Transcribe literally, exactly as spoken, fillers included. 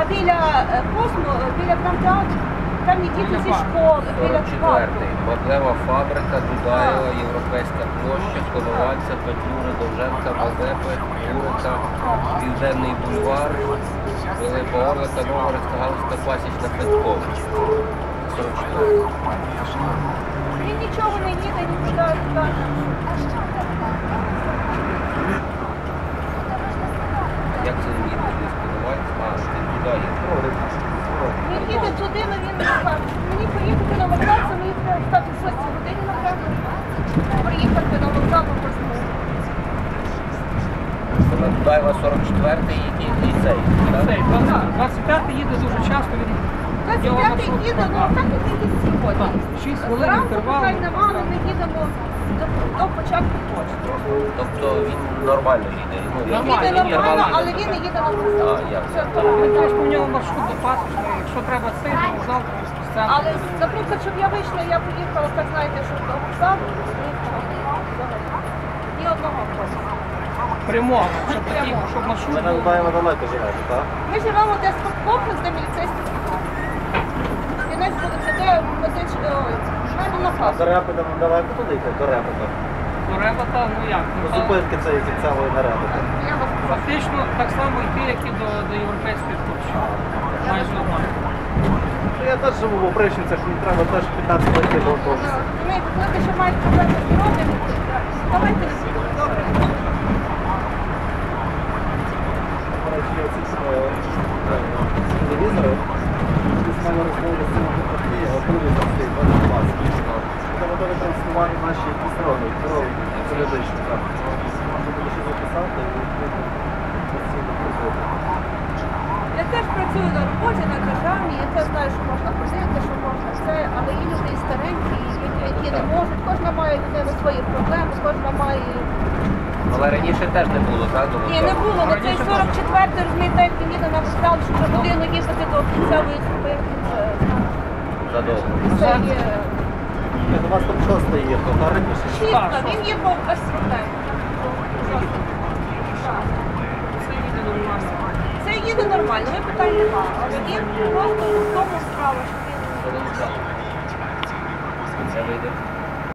біля е, Космо, біля драмтеатру, там є діти зі школи, біля парку. Меблева фабрика, Дудаєва, Європейська площа, Коновальця, Петлюри, Довженка, Мазепи, Юрика, Південний бульвар, Пилипа Орлика, Новгородська, Галузька, Пасічна, Петкова. сорок чотири. Він нічого не їде, нікуди. Як це він їде? Він Коновальця? А, він туди їде. Він їде туди, але він не каже. Мені поїхати на вокзал, це мені треба встати в шостій годині, напевно. Приїхати на вокзал по Космо. Це на Дудаєва сорок четвертий і цей. Цей, двадцять п'ятий їде дуже часто, він двадцять п'ятий їде, ну так як і сьогодні. шість хвилин Зранку інтервал. питань нема, але ми їдемо до, до початку почти. Тобто він нормально їде? Ну, Він Нормально, їде нормально, інтервал але він не їде на вокзал. А, як? Це то Він питання. теж поміняв маршрут до Пасічної, якщо треба цей, то вокзал, з центру. Але, наприклад, щоб я вийшла, я поїхала, так знаєте, щоб до вокзалу, ні одного просто. Прямого, щоб такий, Прямого. щоб маршрут Ви на був. Дудаєва далеко живете, так? Ми живемо десь по комплекс, де міліцейський стан. Кінець буде це де медичне, ой, мене на А фасу. до Репета далеко туди йти? До Репета. До Ребата, ну як? До Ну, та- зупинки цієї кінцевої на Репета. Я вас прошу. Фактично так само йти, як і до, до європейської площі. Майже нормально. Ну, я теж живу в Опришівцях, мені треба теж п'ятнадцять хвилин до автобуса. Ми коли ще мають проблеми з здоров'ям, давайте не будемо. Добре. До речі, я ці телевізори, з мене розмовили з цими партії, а телевізор стоїть двадцять клас. Це готові транслювати наші якісь роги, роги періодично. Можна буде ще записати і постійно приходити. Я теж працюю на роботі, на державі, я теж знаю, що можна ходити, що можна все, але є люди і старенькі, і які, які не можуть. Кожна має людина свої проблеми, кожна має... Але раніше теж не було, так? До Ні, не було, на цей сорок четвертий, розумієте, як він їде на вокзал, що за годину їхати до кінцевої зупинки, це, Задовго. це є... Ні, у вас там шоста є, то та раніше. Шістка, він є по освітленню. Це їде нормально. Це їде нормально, ми питань немає, але він просто в тому справа, що він... Це вийде.